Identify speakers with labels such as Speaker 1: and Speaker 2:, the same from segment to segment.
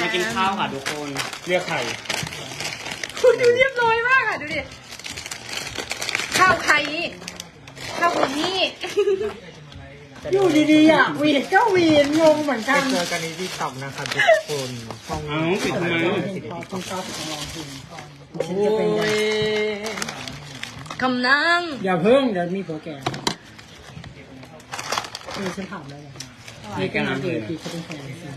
Speaker 1: กินข้าวค่ะทุกคน
Speaker 2: เรียกใคร
Speaker 3: คุณดูเรียบร้อยมากอ่ะดูดิข้าวใครนี่ข้าวคนนี้
Speaker 4: อยู่ดีๆอ่ะวีนก็วีนงงเหมือนกัน
Speaker 2: เจอกันในที่ต่ำนะครับทุกคนช่อง
Speaker 1: เอ้าปิดทำไม
Speaker 4: คุณชอบของลองคุณ
Speaker 3: โอ้ยคำนาง
Speaker 4: อย่าเพิ่งเดี๋ยวมีผัวแก่มีฉันถามแล้วนะมีแกงน้ำเดือดที่เขาเป็นแฟนกัน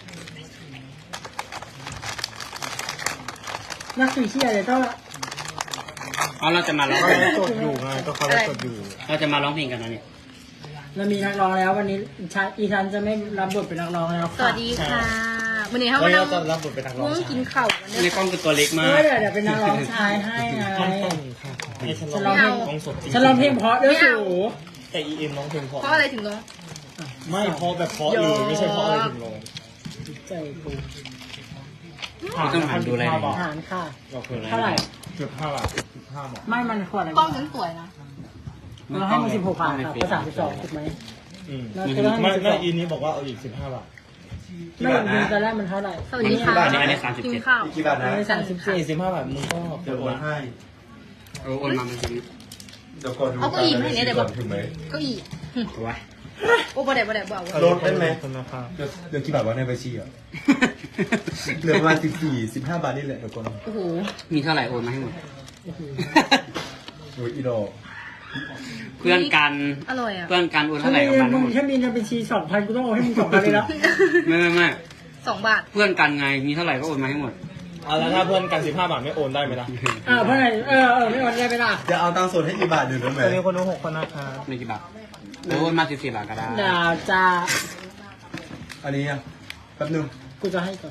Speaker 4: นักสื่อเชี่ยเลยก็
Speaker 1: เอาเราจะมาร้อง
Speaker 2: เขา
Speaker 1: เพลง
Speaker 2: สดอยู่ไงก็เขาสดอยู่
Speaker 1: เราจะมาร้องเพลงกันนะเนี่ย
Speaker 4: เรามีนักร้องแล้ววันนี้อีชันจะไม่รับบทเป็นนักร้องแล้ว
Speaker 3: สวัสดีค่ะวันนี้เขา
Speaker 2: วัน
Speaker 3: มา
Speaker 2: นี้
Speaker 3: นั่
Speaker 2: เรา
Speaker 3: ง
Speaker 2: จะรับบทเป็นนักร้อง
Speaker 3: ง่วงกินข้าววัน
Speaker 1: ใน
Speaker 3: นี้
Speaker 1: กล้องคือตัวเล็กมา
Speaker 4: เอก อเดี๋ยวเป็นนักร้องชายให้ไง
Speaker 2: ต้องค่ะให้ฉัน
Speaker 4: ฉัน
Speaker 2: ร้
Speaker 4: ร้
Speaker 2: อ
Speaker 4: อง งเพลง
Speaker 2: ร้องสดจริง
Speaker 4: ฉันร้องเพลงเพราะด้วยสู
Speaker 2: แต่ EM ร้องเพลงเพราะ
Speaker 3: เพราะอะไรถึงร้อง
Speaker 2: ไม่เพราะแบบเพราะเลยไม่ใช่เพราะอะไรถึงร้อง
Speaker 4: ใจกู
Speaker 1: ต้องหันดูอะไร
Speaker 4: อา
Speaker 1: เนี่ย
Speaker 4: หารค่ะ
Speaker 2: เราเคย
Speaker 4: เท่าไหร่
Speaker 2: เกือบ5 บาท15 บาท
Speaker 4: ไม่มันขวดอะไร
Speaker 3: กล้องฉันสวยนะ
Speaker 4: เราให้มัน16 บาทครับก็32ถูกไหม เราจะได้
Speaker 2: ไม่
Speaker 4: มัน
Speaker 2: ไม่อีนี้บอกว่าเอาอีก15 บาท
Speaker 4: ไม่มีตอนแรกมันเท่าไหร่
Speaker 3: สวัสดีค่ะ
Speaker 1: อันนี้37
Speaker 3: กินข้าว
Speaker 5: กี่บาทนะ
Speaker 4: ไม่34
Speaker 2: 45 บาทมึงก็
Speaker 5: เดี๋ยวโอนให้
Speaker 1: โอนมาเป็นชีวิต
Speaker 5: เดี๋ยวก่อนดู
Speaker 3: เอาเก้าอี้มาให้เนี่ยเดี๋ยวบอก
Speaker 5: ถึงไหม
Speaker 3: เก็อี
Speaker 1: ตัว
Speaker 3: โอ้บ่ได้บอกว่า
Speaker 5: ลดได้ไหม
Speaker 2: ขอบคุณนะครับ
Speaker 5: เดี๋ยวกี่บาทวะในบัญชีอ่ะเหลือประมาณ14-15 บาทนี่แหละเดี๋ยวก่อน
Speaker 3: โอ้โห
Speaker 1: มีเท่าไหร่โอนมาให้หมด
Speaker 5: โอ้ยอีดอก
Speaker 1: เพื่อนกัน
Speaker 3: อร่อยอ่ะ
Speaker 1: เพื่อนกันโอน
Speaker 4: ถ้า
Speaker 1: เท่าไหร่
Speaker 4: มี
Speaker 1: กันมา
Speaker 4: มึ
Speaker 1: ทั้ง
Speaker 4: ง
Speaker 1: หมด
Speaker 4: ถ้ามีในบัญชี 2,000 กูต้องเอาให้มึง 2,000 เลยแล้ว
Speaker 1: ไม่
Speaker 3: 2 บาท
Speaker 1: เพื่อนกันไงมีเท่าไหร่ก็โอนมาให้หมด
Speaker 2: เอาแล้วถ้าเพื่อนกัน15 บาทไม่โอนได้ไหมล่ะ
Speaker 4: เพราะไหนไม่วันได้ไปล่ะ
Speaker 5: จะเอาตังค์สดให้กี่บาทเดี๋ยวได้ไหม
Speaker 2: ตอนนี้คนดู6 คนนะครับ
Speaker 1: ไม่กี่บาทหรือโอนมา14 บาทก็ได้
Speaker 4: ดาวจ้า
Speaker 5: อันนี้อ่ะแป๊บนึง
Speaker 4: กูจะให้ก่อน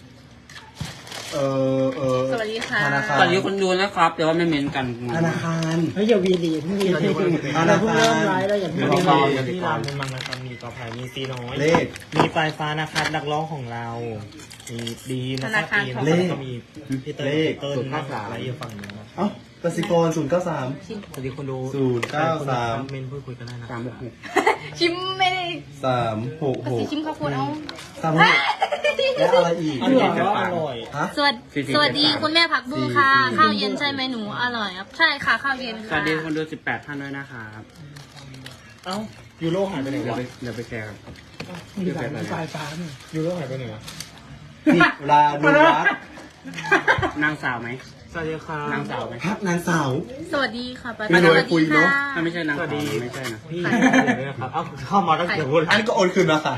Speaker 3: สวัสดีค่ะ
Speaker 5: ธนาคาร
Speaker 1: ตอนนี้คนดูนะครับแต่ว่าไม่เม้นกัน
Speaker 5: ธนาคาร
Speaker 4: เฮ้ยอย่าวีดีเพิ่งวีดีเราเพิ่งเริ่มไลฟ์แล้วอย่าเพิ่ง
Speaker 2: มี
Speaker 4: วี
Speaker 2: เรา
Speaker 4: ดี
Speaker 2: ที่ร้านมันมังนะครับมีกอไผ่มีซีน้อย
Speaker 5: เลข
Speaker 2: มีปลายฟ้านะครับนักร้องของเรา มีดีนะครับอีนแล้วก็มีพี่เติ้ลพี่เติ้ลนะครับและอยู่ฝั่งนู้นนะ
Speaker 5: เอ้ากสิกร093
Speaker 2: สวัสดีคนดู
Speaker 5: 093
Speaker 2: เมนพูดคุยกันได้นะ
Speaker 1: 366
Speaker 3: ชิมไม่ได้ภาษี
Speaker 5: 366
Speaker 3: ชิมข้าวโพดเอา
Speaker 5: 366และอะไรอีก
Speaker 2: อันนี้ก็อร่อย
Speaker 5: ฮะ
Speaker 3: สวัสดีคุณแม่ผักบุ้งค่ะ ข้าวเย็นใช่ไหมหนูอร่อยครับใช่ค่ะข้าวเย็น
Speaker 1: ส
Speaker 3: ค่ะ
Speaker 1: วัสดีคนดู18 ท่านด้วยนะครับ
Speaker 2: เอ้ายูโรหายไปไหน
Speaker 1: เดี๋ยว
Speaker 2: วะ
Speaker 1: ไปแชร์กัน
Speaker 4: มีแบบปลายฟ้าเนี่ย
Speaker 2: ยูโรหายไปไหนวะ
Speaker 5: นี่ลาดูรัก
Speaker 1: นางสาวไหม
Speaker 2: สวัสดีครับ
Speaker 1: นางสาวไหม
Speaker 5: พักนางสาว
Speaker 3: สวัสดีค่ะป้า
Speaker 5: ไม่
Speaker 3: ส
Speaker 5: รู้
Speaker 3: วัส
Speaker 5: คุย
Speaker 3: ดี
Speaker 5: เนอะ
Speaker 3: ค่ะ
Speaker 1: ถ้าไม่ใช่นาง
Speaker 2: สวั
Speaker 1: สา
Speaker 2: ส
Speaker 1: ว
Speaker 2: ดี
Speaker 1: ไม่ใช่นะ
Speaker 2: พี่ด้วยนะครับเอ้าเข้ามาตั้งแต่พูด
Speaker 5: อันก็โอนคืนมาค่ะ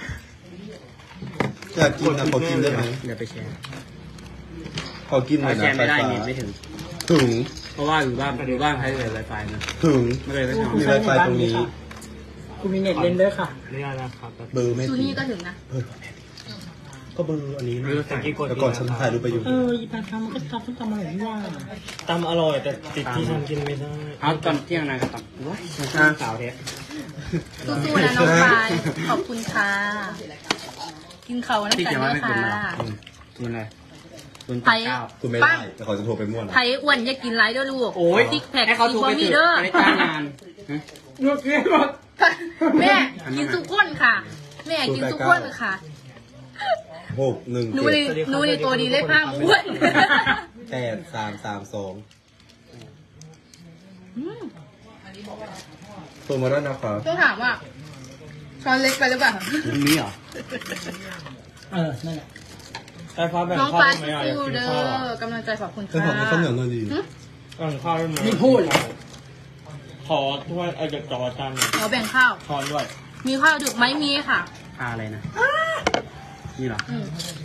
Speaker 5: อยากกินนะขอกินได้ไหม
Speaker 1: เดี๋ยวไปแชร์
Speaker 5: ขอกินหน่อย
Speaker 1: แช
Speaker 5: นะ
Speaker 1: ร์
Speaker 5: ไฟ
Speaker 1: ไม่ได้
Speaker 5: ฟ้า
Speaker 1: เน็ตไม่ถึง
Speaker 5: ถึง
Speaker 1: เพราะว่าอยู่บ้านใช้เลยไวไฟนะ
Speaker 5: ถึง
Speaker 1: ไม่เลยไม่ท
Speaker 5: มีไวไฟตรงนี้
Speaker 4: กูมีเน็ตเล่นด้วยค่ะ
Speaker 2: เรียกนะครับ
Speaker 5: เบอร์ไม่
Speaker 3: ซู
Speaker 5: ถึง
Speaker 3: นี่ก็ถึงนะ
Speaker 5: ก็เบอร์อันนี้นะ
Speaker 2: ตะกี้กด
Speaker 5: แต่ก่อนฉันถ่ายรูปไปอยู่
Speaker 4: อีปลายฟ้ามันก็ทำส้มตำอร่อยนี่ว่า
Speaker 2: ตำอร่อยแต่ติดที่ฉันกินไม่ได้
Speaker 1: ำเอาตอนเที่ยงนายก็ตับว้ายนางสาวเทส
Speaker 3: สู้ๆนะน้องปายขอบคุณค่ะ กินเขาวน้ำ
Speaker 1: ที่
Speaker 3: กัน
Speaker 1: เขียนว่า
Speaker 3: ด้ว
Speaker 1: ไม่
Speaker 3: ย
Speaker 1: คุณ
Speaker 3: ค่ะ
Speaker 1: มาหรอคุณอะไรคุณ
Speaker 3: ไผ่
Speaker 1: เก้า
Speaker 5: คุณไม่ได้แต่ขอจะโทรไปม่วน
Speaker 3: ไผ่อ้วนอย่ากินไรเด้อลูก
Speaker 1: โอ้ย
Speaker 3: ซิกแพค
Speaker 1: ให้เขา
Speaker 3: ซิ
Speaker 1: โทร
Speaker 3: บอ
Speaker 1: ไป
Speaker 3: มี
Speaker 1: เถ
Speaker 3: เด้อ
Speaker 1: อะจะได้จ้างงานฮะ
Speaker 4: เลือกเล่นหมด
Speaker 3: แม่กินทุกคนค่ะ แม่กินทุกคนค่ะ
Speaker 5: 617
Speaker 3: หนูในตัวดีเลยผ้าม้วน
Speaker 5: 8332โทรมาด้วยนะครับ
Speaker 3: ต้องถามว่าช้อนเล็กไปหรือเปล่า
Speaker 1: มีเหรอ
Speaker 4: นั่นแหละ
Speaker 2: ไฟฟ้าแบ่ง
Speaker 3: น้อง
Speaker 2: ข้าว
Speaker 3: ปลา
Speaker 2: ได้ไหม
Speaker 3: ซิ
Speaker 2: อ่ะอยาก
Speaker 3: ฟิว
Speaker 2: กิน
Speaker 3: เด้
Speaker 2: ข้าวอ่ะ
Speaker 3: อกำลังใจขอบคุณ
Speaker 5: เธอ
Speaker 3: ค่ะ
Speaker 5: ขอข้าวเหนียวหน่อยดี
Speaker 2: แบ่งข้าวได้ไหม
Speaker 4: นี่พูด
Speaker 2: ขอถ้วยไอ้จากจอจานหนึ่ง
Speaker 3: ขอแบ่งข้าว
Speaker 2: ช้อนด้วย
Speaker 3: มีข้าวดึกไหมมีค่ะ
Speaker 1: พาอะไรนะนี่เหรอ
Speaker 3: อืม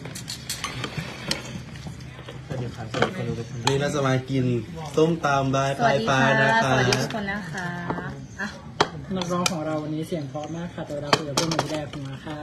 Speaker 2: สวัสดีครับสวัสดีคนดูทุกคน
Speaker 5: นี่เราจะมากินส้มตำบาย
Speaker 3: ส
Speaker 5: ป
Speaker 3: วั
Speaker 5: ลา
Speaker 3: ส
Speaker 5: ย
Speaker 3: ดี
Speaker 5: ปลา
Speaker 3: ค่ะ
Speaker 5: ยนะ
Speaker 3: ส
Speaker 5: คะ
Speaker 3: วัสดีทุกคนนะคะอ่ะ
Speaker 4: นักร้องของเราวันนี้เสียงเพราะมากค่ะแต่เวลาคุยกับเพื่อนไม่ได้ฟังมาค่ะ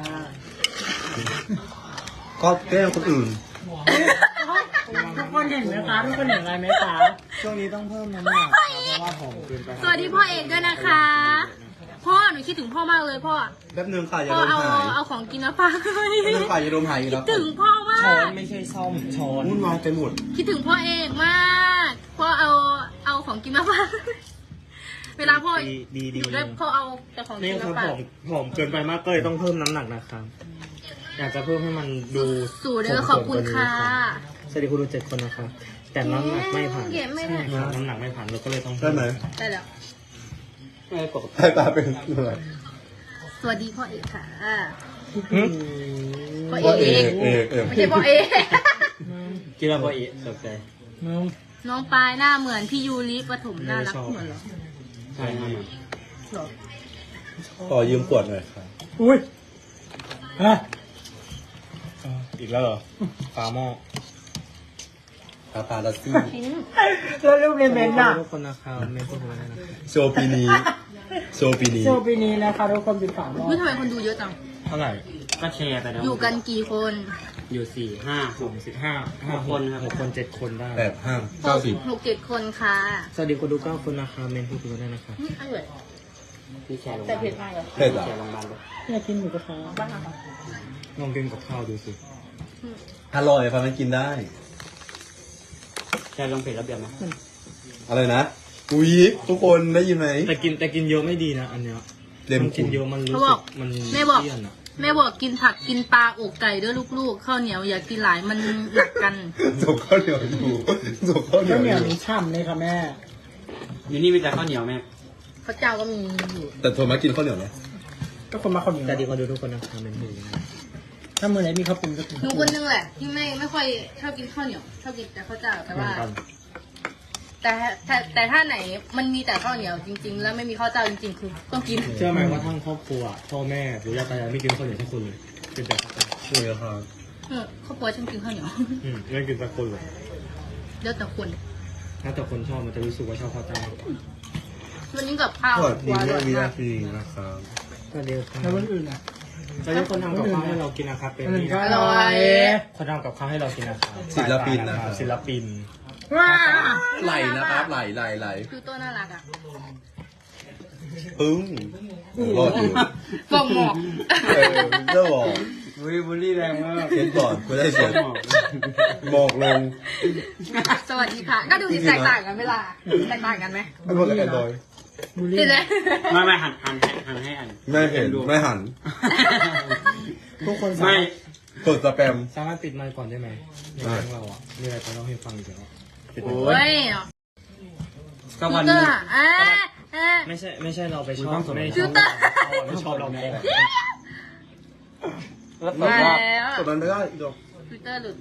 Speaker 5: ก็แกล้งคนอื่น
Speaker 4: ทุกคนเห็นไหมคะทุกคนเห็นอะไรไหมคะ
Speaker 2: ช่วงนี้ต้องเพิ่มน้ำหนักครับเพราะว่าผอมเกินไป
Speaker 3: สวัสดีพ่อเอกด้วยนะคะ พ่อหนูคิดถึงพ่อมากเลยพ่อ
Speaker 5: แป๊บนึงค่ะอย่า
Speaker 3: พ่อ
Speaker 5: โดนหาย
Speaker 3: เอาของกินมาฝากให้
Speaker 5: แป๊บนึงค่ะอย่าโดนหายอีก
Speaker 3: คิ
Speaker 5: แล้
Speaker 3: ด
Speaker 5: ว
Speaker 3: ถึงพ่อมา
Speaker 2: ช้อน
Speaker 3: ก
Speaker 2: ไม่ใช่ซ่อมช้อน
Speaker 5: วุ่นวายไปหมด
Speaker 3: คิดถึงพ่อเอกมาก พ่อเอาของกินมาฝากเวลาพ่อ
Speaker 2: ดี
Speaker 3: อยู่ด้วยพ่อเอาแต่ของ
Speaker 2: นี่
Speaker 3: กิน
Speaker 2: ครั
Speaker 3: มา
Speaker 2: บ
Speaker 3: ฝาก
Speaker 2: ผอมเกินไปมากก็เลยต้องเพิ่มน้ำหนักนะครับ
Speaker 3: พ
Speaker 2: อยากจะเพิ่มให้มันดู
Speaker 3: สู่เด้อขอบคุณค่ะ
Speaker 2: สวัสดีคุณดู7 คนนะครับแต่น้ำหนักไม่ผ่าน
Speaker 3: เก็บไม่ได้
Speaker 2: ใช่ครับน้ำหนักไม่ผ่านเราก็เลยต้อง
Speaker 5: ได้ไหม
Speaker 3: ได้แล้ว
Speaker 1: ไม่ปกติ
Speaker 5: ให้ตาเป็นอะไร
Speaker 3: สวัสดีพ่อเอกค่ะ
Speaker 2: หึ
Speaker 3: พ่อ
Speaker 5: พ่อ
Speaker 3: เอ
Speaker 5: เอก
Speaker 3: ไม่ใช่พ่อเอก
Speaker 2: กินแล้วพออีตกใจ
Speaker 4: น้อง
Speaker 3: น้องปายหน้าเหมือนพี่ยูริปฐมน่ารัก
Speaker 2: ไม่ชอบ
Speaker 3: เหมือนเหรอ
Speaker 1: ใช่ครับ
Speaker 3: หรอ
Speaker 5: ขอยืมขวดหน่อยครับ
Speaker 4: อุ้ยฮะ
Speaker 2: อีกแล้วเหรอฝาหม้อ
Speaker 5: ปาปาลัสซี่
Speaker 4: แล้วรูปในเมนต์น่ะ
Speaker 2: ทุกคนนะครับเมนทุกคนนะ
Speaker 5: โชว์ปีนี้โชว์ปีนี้
Speaker 4: โชว์ปีนี้นะคะทุกคนเป็นฝาหม้อ
Speaker 3: อุ๊ยทำไมคนดูเยอะจัง
Speaker 2: เท่าไหร่
Speaker 1: ก็แชร์ไปแล้ว
Speaker 3: อยู่กันกี่คน
Speaker 1: อยู่4 5
Speaker 2: 15
Speaker 1: คนครับ
Speaker 2: 6 คน 7 คนได้
Speaker 3: หกเจ็ดคนค่ะ
Speaker 2: สวัสดีคนดู9 คนนะครับเมนทุกคนได้นะครับ
Speaker 3: นี่อร่อย
Speaker 1: ที่แชร์ลง
Speaker 3: แต่เผ็ดมากเลย
Speaker 5: เผ็ดเหรอ
Speaker 1: แชร์ลงมาเลย
Speaker 4: อยากกินหมูกระทะ
Speaker 3: บ้า
Speaker 2: ลองกินกับข้าวดูสิ
Speaker 5: อร่อยฟังมันกินได้
Speaker 1: แชร์ลงเพจระเบียบไหม
Speaker 5: อะไรนะอุ๊ยทุกคนได้ยินไหม
Speaker 2: แต่กินเยอะไม่ดีนะอันเนี้ย
Speaker 5: เต็ม
Speaker 2: มันกินเยอะมันรู้สึกมัน
Speaker 3: แม่บอก
Speaker 2: เลี่ยนอะ
Speaker 3: แม่บอกกินผักกินปลาอกไก่ด้วยลูกๆข้าวเหนียวอย่ากินหลายมันหนักกัน
Speaker 5: จบข้าวเหนียวอยู่จบข้าวเหนี
Speaker 4: ข้า
Speaker 5: ยว ว
Speaker 4: เหนียว
Speaker 5: อยู่
Speaker 4: นี้ฉ่ำเลยค่ะแม่
Speaker 1: อยู่นี่มีแต่ข้าวเหนียวแม่
Speaker 3: ข้าวเจ้าก็มีอยู่
Speaker 5: แต่โทรมากินข้าวเหนียวไหม
Speaker 4: ก็คนมาคนเหนียว
Speaker 2: สวัสดีคนดูทุกคนนะครับเมนทุกคนนะ
Speaker 4: ถ้ามือไหนมีข้าวปุ้นก็กิน
Speaker 3: หนูคนนึงแหละที่ไม่ค่อยชอบกินข้าวเหนียวชอบกินแต่ข้าวเจ้าแต่
Speaker 2: เหมือ
Speaker 3: ว่า
Speaker 2: นกัน
Speaker 3: แต่ถ้าไหนมันมีแต่ข้าวเหนียวจริง ๆ แล้วไม่มีข้าวเจ้าจริงๆคือต้องกิน
Speaker 2: เชื่อไหมว่าทั้งครอบครัวพ่อแม่หรือย่าตายายไม่กินข้าวเหนียวทุกคนเลยกินแต่ข้าวเจ้า
Speaker 5: ใช่ครับ
Speaker 3: ครอบครัวฉันกินข้าวเหนียว
Speaker 2: ไม่กินสักคนเลย
Speaker 3: เดี๋ยวแต่คน
Speaker 2: ถ้าแต่คนชอบมันจะรู้สึกว่าชอบข้าวเจ้า
Speaker 3: วันนี้กับข้าว
Speaker 5: สวัสดี
Speaker 3: อ
Speaker 5: แม่
Speaker 3: ร่อย
Speaker 5: วิ
Speaker 3: มา
Speaker 5: นาทีนะครับ
Speaker 2: สวัสดีครับ
Speaker 4: แล้ววันอื่นอ่ะ
Speaker 2: สวัสดีคนทำกับข้าวให้เรากินนะครับเป็น
Speaker 4: วันอื่น
Speaker 2: นี่
Speaker 4: ก็
Speaker 2: นะ
Speaker 4: อร่อย
Speaker 2: คนทำกับข้าวให้เรากินนะครับ
Speaker 5: ศิลปินนะครับ
Speaker 2: ศิลปิน
Speaker 4: ว้า
Speaker 5: ไหลนะครับไหล
Speaker 3: คือตัวน่ารักอ่ะ
Speaker 5: ปึ้งรอดอยู่
Speaker 3: ฟองหมอก
Speaker 5: เจ้าบอก
Speaker 1: วิบุลี่แรงมาก
Speaker 5: เขียนก่อนกูได้เขียนหมอกลง
Speaker 3: สวัสดีค่ะ ก็ดูสิแตกต่างกันเวลาแตกต่างกันไหม
Speaker 5: ไม่บอกกับแอนดรอย
Speaker 4: บูลลี่
Speaker 3: เห็นไหม
Speaker 1: ไม่หันให้อัน
Speaker 5: ไม่เห็นไม่หัน
Speaker 2: ทุกคนสา
Speaker 1: ไม่
Speaker 2: มารถ
Speaker 5: กดสแปม
Speaker 2: สามารถปิดไมค์ก่อนได้ไหมในแก๊งเราอ่ะมีอะไรจะเล่าให้ฟังอีกแล้วปิดไม
Speaker 1: โอ้
Speaker 2: ค์
Speaker 3: โอ้ย
Speaker 1: ก็
Speaker 3: ฟิ
Speaker 1: วั
Speaker 3: ล
Speaker 1: น
Speaker 3: เตอ
Speaker 1: นี้
Speaker 3: ร์อ่ะอ่ะ
Speaker 2: ไม่ใช่เราไปชอบไม่
Speaker 3: ฟิ
Speaker 2: ชอ
Speaker 3: ล
Speaker 2: บ
Speaker 3: เตอร์
Speaker 2: ไม่ชอบเราแม่
Speaker 1: แล้ว
Speaker 3: มา
Speaker 1: ก็
Speaker 3: แล้ว
Speaker 5: กดมันไม่ได้อีกดอก
Speaker 3: ฟิลเตอร์หลุด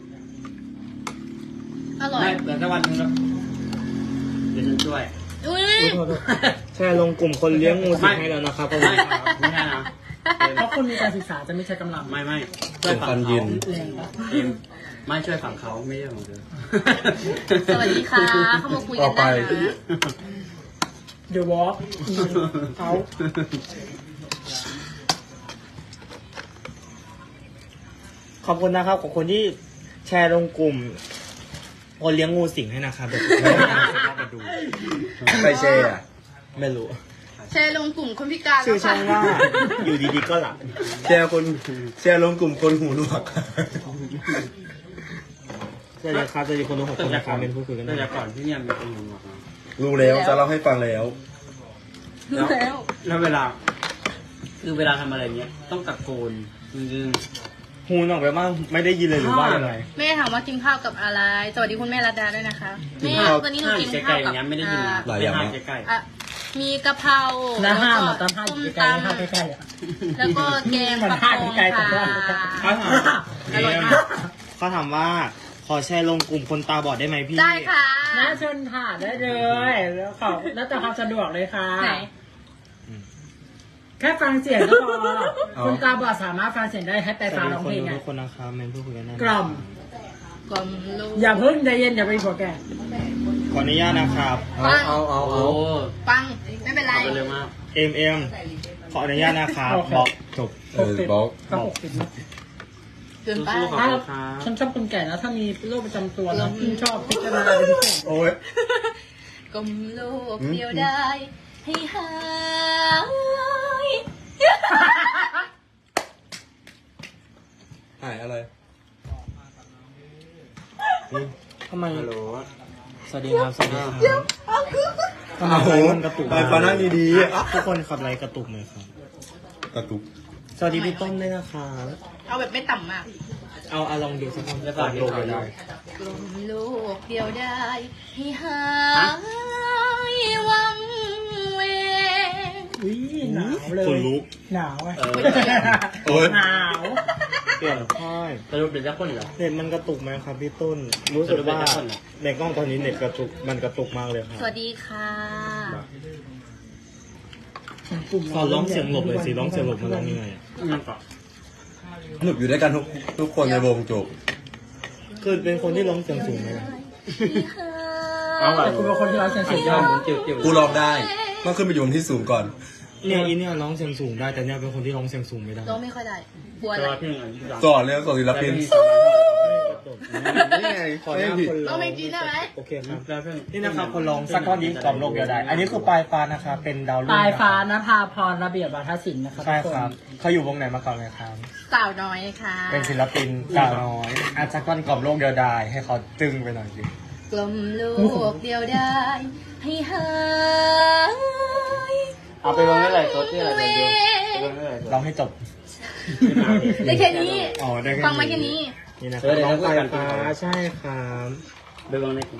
Speaker 3: อร่อย
Speaker 1: ไม่แต่ถ้าวันนึงแล้วเดี๋ยวฉันช่วย
Speaker 3: อุ้ย
Speaker 2: แชร์ลงกลุ่มคนเลี้ยงงูสิงให้แล้วนะครับ
Speaker 1: ไม่ไม่ใช่นะ
Speaker 4: เพราะคนมีการศึกษาจะไม่ใช้กำลัง
Speaker 1: ไม่ช่วยฝั่งเขา
Speaker 4: แรงปะ
Speaker 1: เอ็มไม่ช่วยฝั่งเขาไม่ใช่ของเธอ
Speaker 3: สวัสดีค่ะเข้ามาคุยกันได้นะ
Speaker 4: เดอะวอล์กเอา
Speaker 2: ขอบคุณนะครับของคนที่แชร์ลงกลุ่มคนเลี้ยงงูสิงให้นะครับเดี๋ยวผมจะไปดู
Speaker 5: ไปแชร์อะ
Speaker 2: ไม่รู้
Speaker 3: แชร์ลงกลุ่มคนพิการ
Speaker 2: ชื่อ
Speaker 3: แล้ว
Speaker 2: ช่อง
Speaker 3: ค่ะ
Speaker 2: ว่าอยู่ดีๆก็หลับ
Speaker 5: แชร์ลงกลุ่มคนหูหนวก
Speaker 2: สวัสดีครับสวัสดีคนดู6 คนนะครับเป็นผู้คุยกัน
Speaker 1: แต่
Speaker 2: นะ
Speaker 1: ก่อนที่เนี่ยมีคนหนุนบอกมา
Speaker 5: รู้แล้วจะเล่าให้ฟังแล้ว
Speaker 3: รู้แล้ว
Speaker 1: แล้วเวลา คือเวลาทำอะไรเงี้ย ต้องตะโกนจริง
Speaker 2: หูหนออกไปบ้างไม่ได้ยินเลยหรือว่ายังไง
Speaker 3: แม่ถามว่ากินข้าวกับอะไร สวัสดีคุณแม่รัตดาด้วยนะคะ
Speaker 5: กิน
Speaker 3: แม่
Speaker 5: ข้าว
Speaker 3: วันนี้หนู
Speaker 1: ห้า
Speaker 3: กิน
Speaker 1: ใก
Speaker 3: ข้า
Speaker 1: ล้ว ๆอ
Speaker 3: กับ
Speaker 1: ย่างเงี้ยไม่ได้ยิน
Speaker 5: หลายอย่าง
Speaker 1: ไม่
Speaker 5: นะ
Speaker 1: ห้ใกล้
Speaker 3: อ่ะมีกะเพรา
Speaker 4: แล้วห้าม
Speaker 3: แล้
Speaker 4: อ่ะ
Speaker 3: ว
Speaker 4: ตอน
Speaker 3: ก็
Speaker 4: ห้าม
Speaker 3: ส้ม
Speaker 4: อยู่ไกล
Speaker 3: ต
Speaker 4: ๆห้ามใกล้ๆอ่ะ
Speaker 3: ำแล้วก็แกง
Speaker 4: เหมือน
Speaker 3: ปลา
Speaker 4: ห้าม
Speaker 3: ทอง
Speaker 4: ไกลๆแต่ว่า
Speaker 3: ค่ะ
Speaker 2: เขาถาม
Speaker 3: อร่อยมาก
Speaker 2: เขาถามว่าขอแชร์ลงกลุ่มคนตาบอดได้ไหมพี่
Speaker 3: ได้ค่ะ
Speaker 4: น่าเชิญค่ะได้เลยแล้วขอแล้วแต่ความสะดวกเลยค่ะ
Speaker 3: ไหน
Speaker 4: แค่ฟังเสียงก็พอ
Speaker 5: เอา
Speaker 4: คุณตาบอดสามารถฟังเสียงได้ให้ไป
Speaker 2: สวั
Speaker 4: ฟั
Speaker 2: ส
Speaker 4: ง
Speaker 2: ดี
Speaker 4: ร้อง
Speaker 2: คน
Speaker 4: เพลง
Speaker 2: ดู
Speaker 4: ไง
Speaker 2: ทุกคนนะครับเป็นผู้คุยกันนะ
Speaker 4: กล่อม
Speaker 3: กลมลูก
Speaker 4: อย่าเพิ่งใจเย็นอย่าไปหัวแก่
Speaker 2: ขออนุญาตนะครับ
Speaker 5: เอา
Speaker 1: ๆโอ้
Speaker 3: ปังไม่เป็นไร
Speaker 1: เอาไปเร็วมาก
Speaker 2: MM ขออนุญาตนะครับ
Speaker 4: โอเค
Speaker 2: บอกจบ
Speaker 5: บล็อก
Speaker 4: ก็60นะ
Speaker 3: เกินไป
Speaker 1: สู้ๆขอบ
Speaker 4: ถ้า
Speaker 1: คุณครับ
Speaker 4: ฉันชอบคนแก่นะถ้ามีโรคประจำตัวแล้วฉันชอบพิจารณาเป็นพิเศษ
Speaker 5: โอ้ย
Speaker 3: กลมลูกเดียวได้ ให้หาย
Speaker 5: หายอะไร
Speaker 2: ทำไม
Speaker 1: ฮัลโหล
Speaker 2: สวัสดีครับ สวัสดีครับ
Speaker 5: โอ้โห
Speaker 2: มันกระตุก
Speaker 5: ไปฟ้านั่งดีๆอ่ะ
Speaker 2: ทุกคนขับไรกระตุกเลยครับ
Speaker 5: กระตุก
Speaker 2: สวัสดีพี่ต้นด้วยนะครับ
Speaker 3: เอาแบบไม่ต่ำมาก
Speaker 2: เอาลองดูสักคนก่อนโลกเลย
Speaker 3: กลมโลกเดียวได้ให้หายวังเวง
Speaker 4: อุ้ยหนาวเลย
Speaker 2: คนลุก
Speaker 4: หนาวอ่ะ
Speaker 5: โอ๊ย
Speaker 4: หนาว
Speaker 2: เปลี่ยนค่าย
Speaker 1: สรุปเป็นเจ้าคนเหรอ
Speaker 2: เน็ตมันกระตุกไหมครับพี่ต้น รู้สึกว่าในกล้องตอนนี้เน็ตกระตุกมันกระตุกมากเลยครับ
Speaker 3: สวัสดีค่ะ
Speaker 2: ขอร้องเสียงหลบเลยสิร้องเสียงหลบมันร้องยังไงอะ
Speaker 1: นั่นก่อน
Speaker 5: หนุกอยู่ด้วยกันทุกคนในวงจบ
Speaker 2: คือเป็นคนที่ร้องเสียงสูงไหมล่ะ
Speaker 1: เอาอะ
Speaker 4: แต่คุณเป็นคนที่ร้องเสียง
Speaker 1: สุ
Speaker 4: สู
Speaker 1: ด
Speaker 4: ง
Speaker 1: ย
Speaker 4: ย
Speaker 1: อ
Speaker 4: อ
Speaker 1: ด
Speaker 4: ด
Speaker 1: หมุนเจียวๆ
Speaker 5: กูร้องได้ต้องขึ้นไปอยู่บนที่สูงก่อน
Speaker 2: เนี่ยอีเนี่ยร้องเสียงสูงได้แต่เนี่ยเป็นคนที่ร้องเสียงสูงไม่ได้
Speaker 3: ร้องไม่ค่อยได้กลัวอะ
Speaker 1: แต่
Speaker 3: ไร
Speaker 1: ว่าพี่หนึ่งอันที่สาม
Speaker 5: สอนเลยสอนศิลปิน นี่ไง
Speaker 2: ขอหน้าคน
Speaker 3: ร้องเพลงจีนได้ไหม
Speaker 2: โอเคครับ
Speaker 1: แล้วพี่
Speaker 2: นี่นะครับคนร้องสักก้อนนี้กล่อมโลกเดียวได้ อันนี้คือปลายฟ้านะครับเป็นดาวรุ่ง
Speaker 4: ปลายฟ้านภาพรระเบียบวาทศิลป์นะครับ
Speaker 2: ใช่
Speaker 4: ทุก
Speaker 2: ครับ เขาอยู่วงไหนมาก่อนเลยครับ
Speaker 3: สาวน้อยค่ะ
Speaker 2: เป็นศิลปินสาวน้อยอาจจะก้อนกล่อมโลกเดียวได้ให้เขาตึงไปหน่อยสิ
Speaker 3: กลมโลกเดียวได้ให้หาย
Speaker 1: เอาไปลงได้เลยตัวที่อะไรเดียวไปลงได้เลย
Speaker 2: ร้องให้จบ
Speaker 3: ได้แค่นี้
Speaker 2: อ๋อได้แค่
Speaker 3: ฟังมาแค่นี้
Speaker 2: นี่นะครับน้องปลายฟ้าใช่ครับ
Speaker 1: ไปลงได้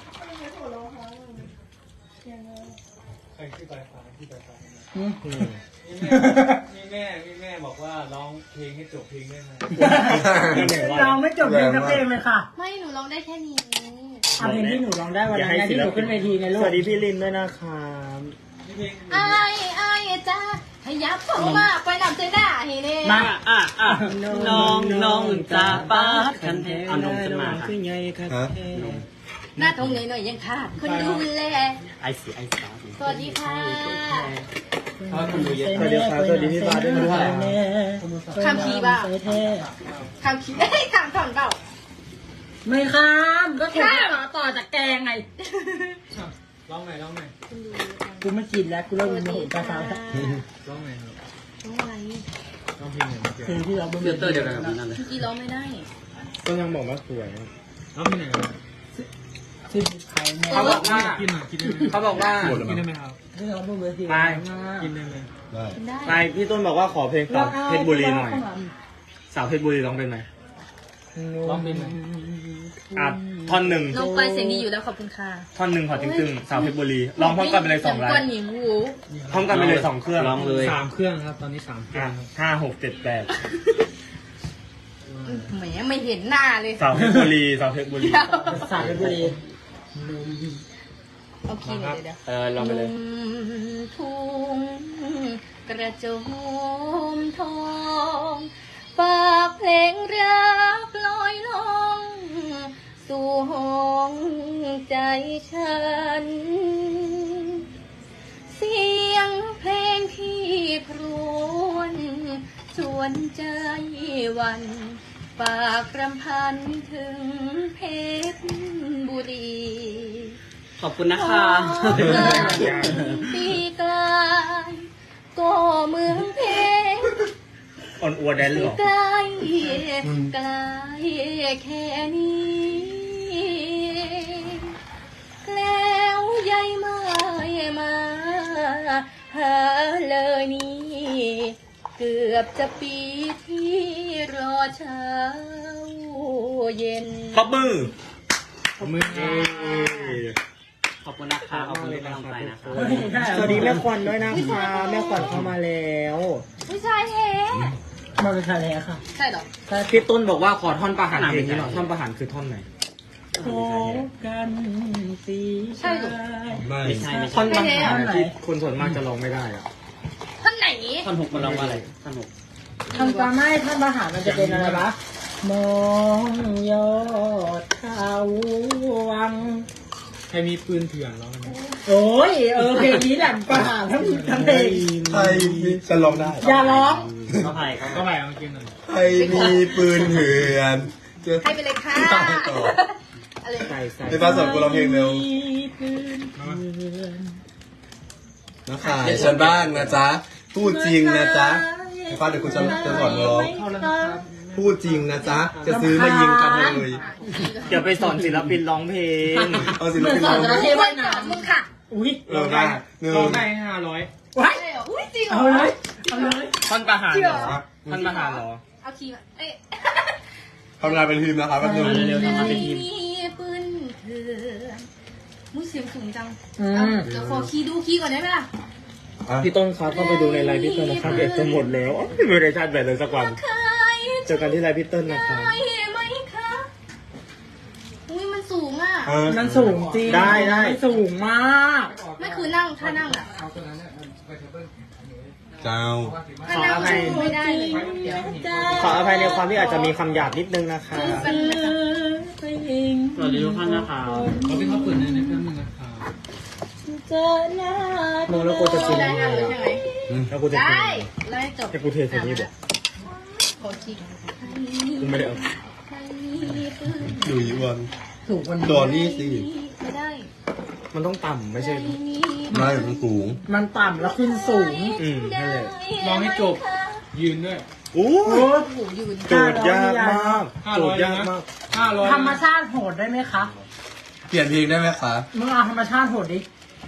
Speaker 2: อืม
Speaker 6: มีแม่บอกว่าร้องเพลงให้จบเพลงได้ไหม
Speaker 4: ร้องไม่จบเพลงสักเพลงเลยค่ะ
Speaker 3: ไม่หนูร้องได้แค่นี้
Speaker 4: เอาเพลงที่หนูร้องได้วันนั้นไงที่หนูขึ้นเวทีในโล
Speaker 2: ส
Speaker 4: ก
Speaker 2: วัสดีพี่ลินด้วยนะครับ
Speaker 3: ไอ้จ้าขยับเข้ามาไปนำเจด้าให้เน่
Speaker 4: มา
Speaker 1: น้องจะปาดคันเทเอานมขึ้นมาค่ะ
Speaker 2: คือไงครับ
Speaker 5: ฮะ
Speaker 3: หน้าทงหน่อยๆยังขาดคนดูแล
Speaker 1: ไอสีไอสาว
Speaker 3: สวัสดีค่ะ
Speaker 1: เพราะคนดูเยอะ
Speaker 2: สวัสดีครับสวัสดีพี่ฟ้าด้วยนะครับ
Speaker 3: คำคีบ้าคำคีได้คำถอนเปล่า
Speaker 4: ไม่ข้ามก็ถูกต่อจากแกงไง
Speaker 6: ร้องไหนร้องไหน
Speaker 4: กูไม่กินแล้วกูเริ่มโมโหปลาฟ้าแล้ว
Speaker 6: ร้องไหนครับ
Speaker 3: ร้องอะไร
Speaker 6: ร้องเพลงไหนเมื่อกี้
Speaker 4: เพลงที่เราไม่
Speaker 1: เดือดเตอร์เดียวกันกับนั่นเลย
Speaker 3: เมื่อกี้ร้องไม่ได้
Speaker 2: ก็ยังบอกว่าสวย
Speaker 6: ร้องเพลงไหนครับ
Speaker 4: ชื่อใครแม่
Speaker 1: เขาบอกว่า
Speaker 6: กินหน่อยกินได้ไหม
Speaker 1: เขาบอกว่า
Speaker 5: หมดแล้ว
Speaker 6: กิ
Speaker 5: มั้
Speaker 6: น
Speaker 5: ง
Speaker 6: ได้ไหมครับ
Speaker 4: ที่เราพูดเมื่อกี้
Speaker 6: กินได้ไหม
Speaker 5: ได้
Speaker 3: ได้
Speaker 2: ใช่พี่ต้นบอกว่าขอเพลงสาวเพชรบุรีหน่อย สาวเพชรบุรีร้องเป็นไหม
Speaker 6: ร้องเพลงไหน
Speaker 2: อ่ะท่อนหนึ่ง
Speaker 3: น้องปลายเสียงดีอยู่แล้วขอบคุณค่ะ
Speaker 2: ท่อนหนึ่งขอตึงๆสาวเพชรบุรีร้องพร้อมกันไปเลย2 ไล
Speaker 3: ก้อน
Speaker 2: น์
Speaker 3: หญิงหู
Speaker 2: พร้อมกันไปเลย2 เครื่อง
Speaker 1: ร้องเลย
Speaker 6: 3 เครื่องครับ ตอนนี้3 เครื่องครับ
Speaker 2: 5 6 7 8
Speaker 3: แหมไม่เห็นหน้าเลย
Speaker 2: สาวเพชรบุรีสาวเพชรบุรี
Speaker 4: สายบุรี
Speaker 3: เอาคีย์หน่อยเดี๋ยว
Speaker 1: ลองไปเลย
Speaker 3: ทุ่งกระโจมทองฝากเพลงรักลอยลองสู่ห้องใจฉัน เสียงเพลงที่ครวญชวนใจหวันฝากรำพันถึงเพชรบุรี
Speaker 1: ขอบคุณนะคะ
Speaker 3: ปีกลายก็เมืองเพชร
Speaker 2: อ่อนอัวแดนหรอ
Speaker 3: ใกล้ใกล้แค่นี้แล้วยายไม่มาหาเลยนี่เกือบจะปีที่รอเช้าเย็น
Speaker 2: ขอบมือ
Speaker 6: มือ
Speaker 1: ขอบคุณนะคะขอบคุณที่กำลังใจนะคะ
Speaker 2: สวัสดีแม่ขวัญด้วยนะคะแม่ขวัญเข้ามาแล้ว
Speaker 3: ผู้ชายแท้
Speaker 4: มาเป็นใครแล้วค่ะ
Speaker 3: ใช่เหรอ
Speaker 2: พี่ต้นบอกว่าขอท่อนประหารเพลงนี้หน่อยท่อนประหารคือท่อนไหน
Speaker 4: พบกันสี
Speaker 3: ใช่เหรอ
Speaker 5: ไม่
Speaker 1: ไม่ใช่ไม่
Speaker 2: ท่อ
Speaker 1: ใช่
Speaker 2: นประหารที่คนส่วนมากจะร้องไม่ได้อะ
Speaker 3: ท่านไหน
Speaker 1: ท่อนหกมันร้องว่าอะไรท่อนหก
Speaker 4: ทำตามไม่ท่านมหามันจะเป็นอะไรวะมองยอดเขาวัง
Speaker 6: ใครมีปืนเถื่อนร้องไหม
Speaker 4: โอ้ยเพลงนี้แหละประหารทั้งเพลง
Speaker 5: ใครมีฉันร้องได้
Speaker 4: อย่าร้อง
Speaker 1: เขาไผ่เขา
Speaker 6: ก็ไปเอากินหน่อย
Speaker 5: ใครมีปืนเถื่อนจะ
Speaker 3: ให้ไปเลยค่ะ
Speaker 5: ตายต่อ
Speaker 3: อะไร
Speaker 2: ใส่ใส่
Speaker 5: ไอ้ฟ้าสอนกูร้องเพลงเร็ว
Speaker 4: ปืนเถื่อน
Speaker 5: นะขายฉันบ้างนะจ๊ะ พูดจริงนะจ๊ะไอ้ฟ้าเดี๋ยวกูจะสอนร้อง พูดจริงนะจ๊ะ จะซื้อมายิงกันเลย
Speaker 2: เดี๋ยวไปสอนศิลปินร้องเพลง
Speaker 5: เอาศิล
Speaker 4: เหมือน
Speaker 5: ปิน
Speaker 4: สอน
Speaker 5: ร้อง
Speaker 4: จระ
Speaker 5: เพล
Speaker 4: เข้
Speaker 5: ง
Speaker 4: ว่ายน้
Speaker 3: มึงค่ะ
Speaker 4: ำอุ้ย
Speaker 5: ได้หนึ่ง
Speaker 6: ร้องได้500
Speaker 4: ว้าย
Speaker 3: ใช่เหรออุ้ยจริงเหร
Speaker 4: เอา
Speaker 3: อ
Speaker 4: เลยเอาเลย
Speaker 2: ท่อนประหารเหรอท่อนประหารเหรอ
Speaker 3: เอาคีย์มาเอ๊ะ
Speaker 5: ทำงานเป็นทีมนะครับแป๊บนึง
Speaker 1: เร็วๆทำงานเป็นทีม
Speaker 3: มีปืนเถื่อนมุ้ยเสียงสูงจัง
Speaker 4: อืม
Speaker 3: เอาเดี๋ยวขอคีย์ดูคีย์ก่อนได้ไหมล่ะ
Speaker 2: พี่ต้นครับเข้าไปดูในไลฟ์พี่ต้นนะครับเด็กจะหมดแล้วไม่ได้ชาร์จแบตเลยสักวัน
Speaker 3: เคย
Speaker 2: เจอกันที่ไลฟ์พี่ต้นนะครับ
Speaker 3: ได้ไหมคะอุ้ยมันสูงอ่ะ
Speaker 4: มันสูงจริง
Speaker 2: ได้ได้
Speaker 4: มันสูงมาก
Speaker 3: ไม่คือนั่งถ้านั่งอ่ะ
Speaker 5: เจ้า
Speaker 3: ถ้านั่งมันสู้ไม่ได้เลยเดี๋ยว
Speaker 2: ขออภัยในความที่อาจจะมีคำหยาบนิดนึงนะคะ
Speaker 3: สู้กันนะคะ
Speaker 1: สวัสดีทุกท่านนะครับ
Speaker 6: เขาพี่เขาเปิดในนี้แป๊บนึงนะครับ
Speaker 2: โมแล้วกูจะกิน
Speaker 3: ได้
Speaker 2: ยังไง
Speaker 3: งานเลยใช่ไหม
Speaker 2: แล้วกูจะกิน
Speaker 3: ได้
Speaker 2: ยังไง
Speaker 3: แล้วให้จบ
Speaker 2: ให้กูเทใส่นี่บอก
Speaker 3: ขอคีย์
Speaker 2: กูไม่ได้เอา
Speaker 3: ใครมีปืน
Speaker 5: ดูอีวัน
Speaker 4: สูงกว่านี้
Speaker 5: โดนนี่สิ
Speaker 3: ไม่ได้
Speaker 2: มันต้องต่ำไม่ใช่
Speaker 5: ไม่มันสูง
Speaker 4: มันต่ำแล้วขึ้นสูง
Speaker 2: นั่นแหละ
Speaker 6: ร้องให้จบ ยืนด้วย
Speaker 2: โอ้
Speaker 4: โอ้
Speaker 3: โอ้โหยืน
Speaker 2: โจทย์ยากมากโจทย์ยากมาก
Speaker 6: 500
Speaker 4: ธรรมชาติโหดได้ไหมคะ
Speaker 5: เปลี่ยนเพลงได้ไหมคะ
Speaker 4: มึงเอาธรรมชาติโหดดิ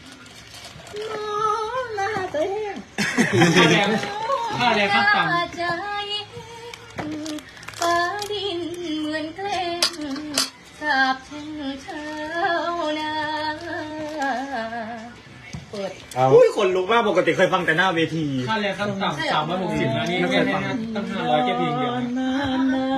Speaker 6: ค่าแรงขั้นต่ำ
Speaker 3: ใจฟ้าดินเหมือนเกล้งสาบแช่งเช้านาเปิด
Speaker 2: อุ้ยขนลุกมากปกติเคยฟังแต่หน้าเวที
Speaker 6: ค่าแรงขั้นต่ำ360นะนี่แค่ตั้ง500แค่เพลงเดียวนะ